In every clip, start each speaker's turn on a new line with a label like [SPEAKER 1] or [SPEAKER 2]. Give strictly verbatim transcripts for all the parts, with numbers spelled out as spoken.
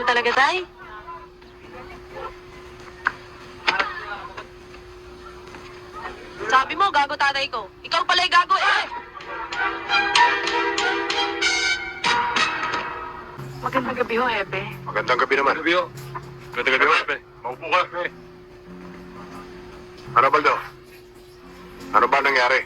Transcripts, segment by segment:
[SPEAKER 1] talaga, Day. Sabi mo, gago tatay ko. Ikaw pala'y gago eh! Magandang gabi ho, Hepe.
[SPEAKER 2] Magandang gabi naman.
[SPEAKER 3] Gabi ho. Magandang gabi ho, Hepe. Maupo ka.
[SPEAKER 2] Ano, Baldo? Ano ba nangyari?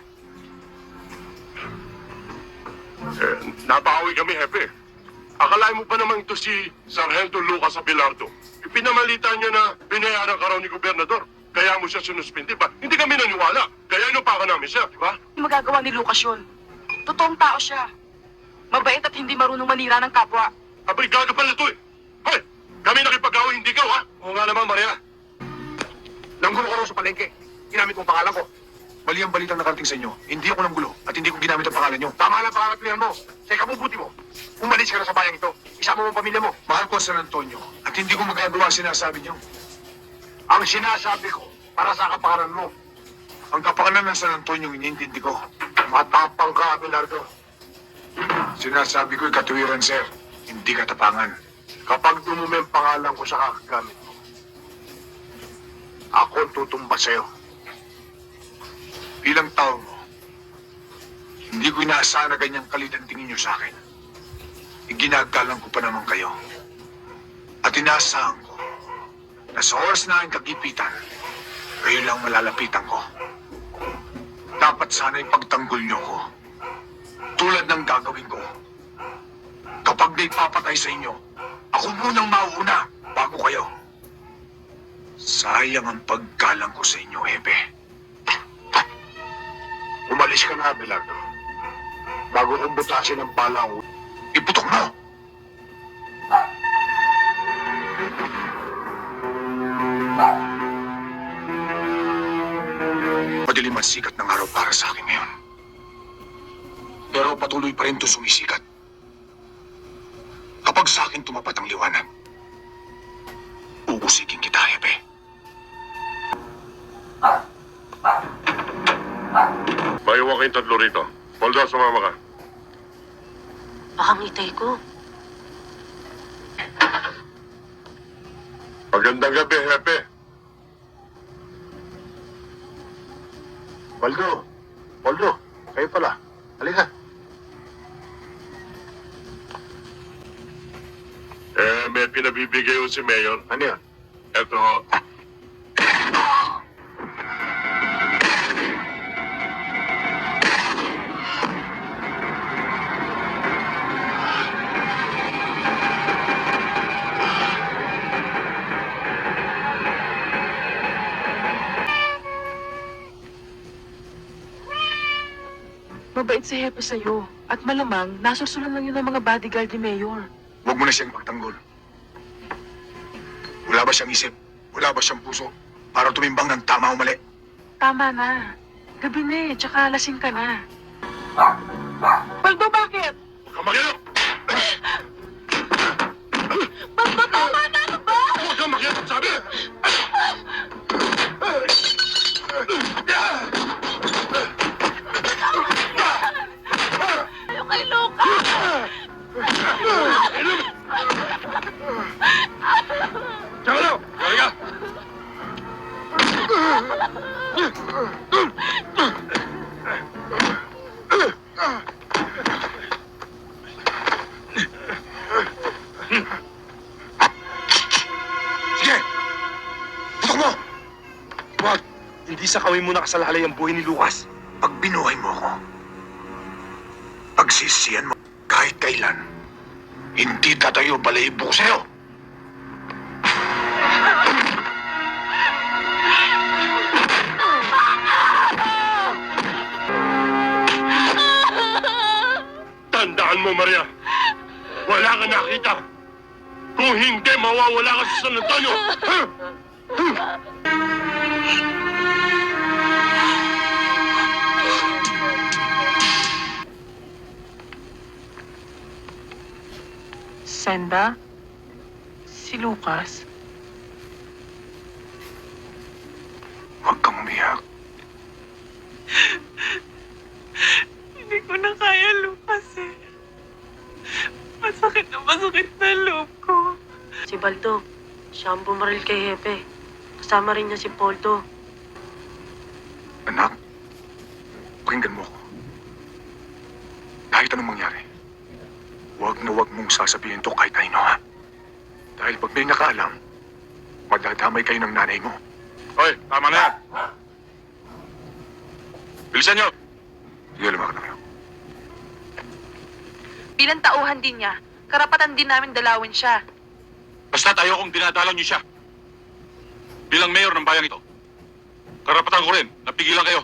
[SPEAKER 3] Eh, napahawi kami, Hepe. Akalain mo pa naman ito si Sargento Lucas Abelardo. Ipinamalita niya na binayaran ka raw ni Gobernador. Kaya mo siya sinuspindi ba? Hindi kami naniwala. Kaya inupakan namin siya, di ba?
[SPEAKER 1] Hindi magagawa ni Lucas yun. Totoong tao siya. Mabait at hindi marunong manira ng kapwa.
[SPEAKER 3] Abay, gaga pala ito eh. Hoy, kami nakipag-away, hindi ka, ha? Oo nga naman, Maria.
[SPEAKER 2] Nanggulo ka raw sa palengke. Ginamit mong pangalan ko. Mali ang balitang nakarating sa inyo. Hindi ako nanggulo at hindi ko ginamit ang pangalan nyo. Tama lang pangalan mo. Sa ikabubuti mo. Umalis ka na sa bayang ito. Isama mo ang pamilya mo. Mahal ko San Antonio at hindi ko magagawa ang sinasabi nyo. Ang sinasabi ko para sa kapakanan mo. Ang kapakanan ng San Antonio iniintindi ko. Matapang ka, Abelardo. Sinasabi ko'y katuwiran, sir. Hindi katapangan. Kapag dumumi ang pangalan ko sa kakagamit mo, ako ang tutumba sa'yo. Bilang tao mo, hindi ko inaasahan na ganyang kalit ang tingin niyo sa akin. Iginagalang ko pa naman kayo. At inaasahan ko na sa oras na aking kagipitan, kayo lang malalapitan ko. Dapat sana ipagtanggol niyo ko. Tulad ng gagawin ko. Kapag may papatay sa inyo, ako munang mauuna bago kayo. Sayang ang paggalang ko sa inyo, Hepe. Umalis ka na, Abelardo. Bago kong butasin ang bala ko, iputok mo! Madilim ang sikat ng araw para sa akin ngayon. Pero patuloy pa rin ito sumisikat. Kapag sa akin tumapat ang liwanag, uusigin kita, Hepe.
[SPEAKER 3] Maiwan kayong tatlo rito. Baldo, sumama ka.
[SPEAKER 1] Baka ngitay ko.
[SPEAKER 3] Magandang gabi, Hepe.
[SPEAKER 2] Baldo! Baldo! Kayo pala. Halika.
[SPEAKER 3] Eh, may pinabibigay ko si Mayor.
[SPEAKER 2] Ano yan?
[SPEAKER 3] Eto,
[SPEAKER 1] Mabait si Hepe sa'yo. At malamang, nasursulan lang yun ng mga bodyguard ni Mayor.
[SPEAKER 2] Huwag mo na siyang pagtanggol. Wala ba siyang isip? Wala ba siyang puso? Para tumimbang ng tama o mali?
[SPEAKER 1] Tama na. Gabi na eh, tsaka lasing ka na. Baldo, bakit?
[SPEAKER 3] huwag kang makialam!
[SPEAKER 1] Baldo, tama na! Ano ba?
[SPEAKER 3] Huwag kang makialam, sabi!
[SPEAKER 1] Ayaw kay Luca!
[SPEAKER 3] Tsaka na! Halika!
[SPEAKER 2] Sige! Putok mo!
[SPEAKER 4] Wag! Hindi sa kawin mo nakasalalay ang buhay ni Lucas.
[SPEAKER 2] Pag binuhay mo ako, pagsisiyan mo kahit kailan, hindi tatayo balahibo ko sa'yo.
[SPEAKER 3] Tandaan mo, Maria. Wala ka nakita. Kung hindi, mawawala ka sa San Antonio. Ha?
[SPEAKER 1] Senda? Si Lucas?
[SPEAKER 2] Huwag kang umiyak.
[SPEAKER 5] Hindi ko na kaya, Lucas eh. Masakit na masakit na loob ko. Si Baldo, siya ang bumaril kay Hepe. Kasama rin niya si Poldo.
[SPEAKER 2] Anak, pakinggan mo ako. Kahit anong mangyari, huwag na huwag mong sasabihin to kahit kanino, ha? Dahil pag may nakaalam, madadamay kayo ng nanay mo.
[SPEAKER 3] Hoy, tama na yan. Bilisan nyo.
[SPEAKER 2] Sige, lumakad na kayo.
[SPEAKER 6] Bilang tauhan din niya, karapatan din namin dalawin siya.
[SPEAKER 3] Basta tayo kung dinadalang nyo siya. Bilang mayor ng bayang ito, karapatan ko rin, napigilan kayo.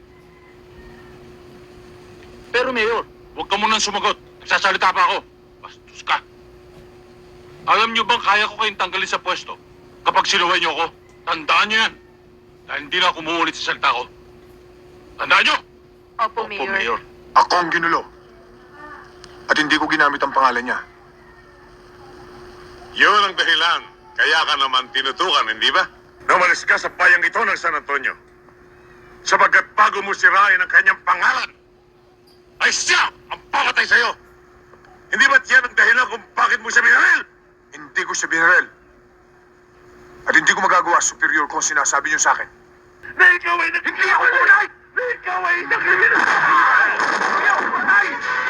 [SPEAKER 3] Pero mayor, huwag ka munang sumagot. Nagsasalita pa ako. Bastos ka. Alam nyo bang kaya ko kayong tanggalin sa pwesto kapag sinuway nyo ako? Tandaan nyo yan. Dahil hindi na ako umuulit sa salita ko. Tandaan nyo!
[SPEAKER 6] Opo, Mayor.
[SPEAKER 2] Ako ang ginulo. At hindi ko ginamit ang pangalan niya.
[SPEAKER 7] Yun ang dahilan. Kaya ka naman tinutukan, hindi ba? Namalis ka sa bayang ito ng San Antonio. Sapagkat bago mo sirain ang kanyang pangalan, ay siya ang papatay sa'yo. Hindi ba't yan ang dahilan kung bakit mo siya binaril?
[SPEAKER 2] Hindi ko siya binaril. At hindi ko magagawa superior kung sinasabi niyo sa akin.
[SPEAKER 7] Na ikaw ay nag- Hindi ako tunay! Na ikaw ay nagkriminal! Hindi ako tunay!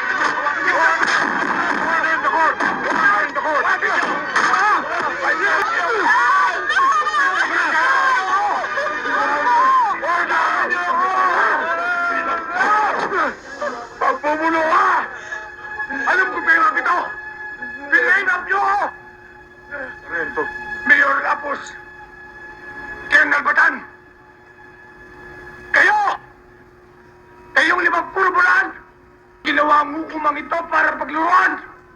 [SPEAKER 2] Pagpumulo ka! Alam ko pera ito! Pinainap niyo ako! Rento. Mayor Lapos! Colonel Batan! Kayo! Kayong limang kurbulan! Ginawa ang hukumang ito para pagluruan!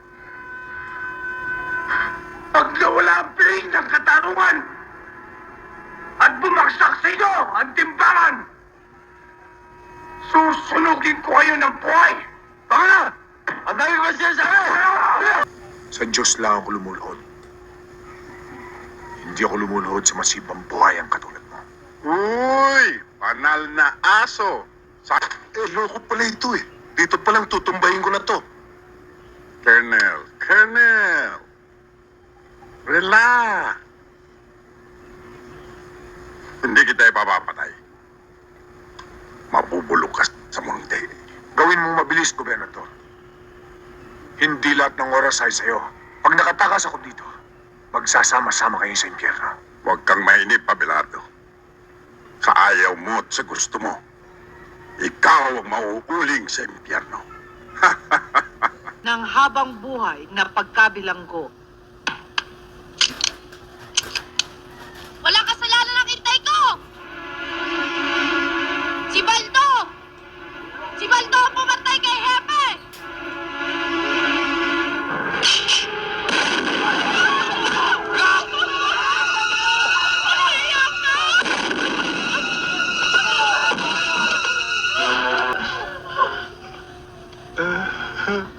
[SPEAKER 2] Pag nawala ang piling ng katarungan at bumagsak sa inyo ang timbangan, susunugin ko kayo ng buhay! Baka na! Ang dami ko siya sa Sa Diyos lang ako lumulhod. Hindi ako lumulhod sa masibang buhay ang katulad mo.
[SPEAKER 7] Uy! Panal na aso! Sa...
[SPEAKER 2] Eh, loko pala ito eh. Dito palang tutumbayin ko na to.
[SPEAKER 7] Colonel, Colonel! Relax! Hindi kita ipapapatay. Mabubulok ka sa mundi.
[SPEAKER 2] Gawin mong mabilis, Gobernador. Hindi lahat ng oras ay sa'yo. Pag nakatakas ako dito, magsasama-sama kayo sa impyerno.
[SPEAKER 7] Huwag kang mainip, Abelardo. Sa ayaw mo at sa gusto mo, ikaw ang mauuling sa impyerno.
[SPEAKER 8] ng habang buhay na pagkabilanggo.
[SPEAKER 6] Walang kasalanan ang intay ko! Si Baldo! Si Baldo ang pumatay kay Hepe!
[SPEAKER 2] Uh, huh.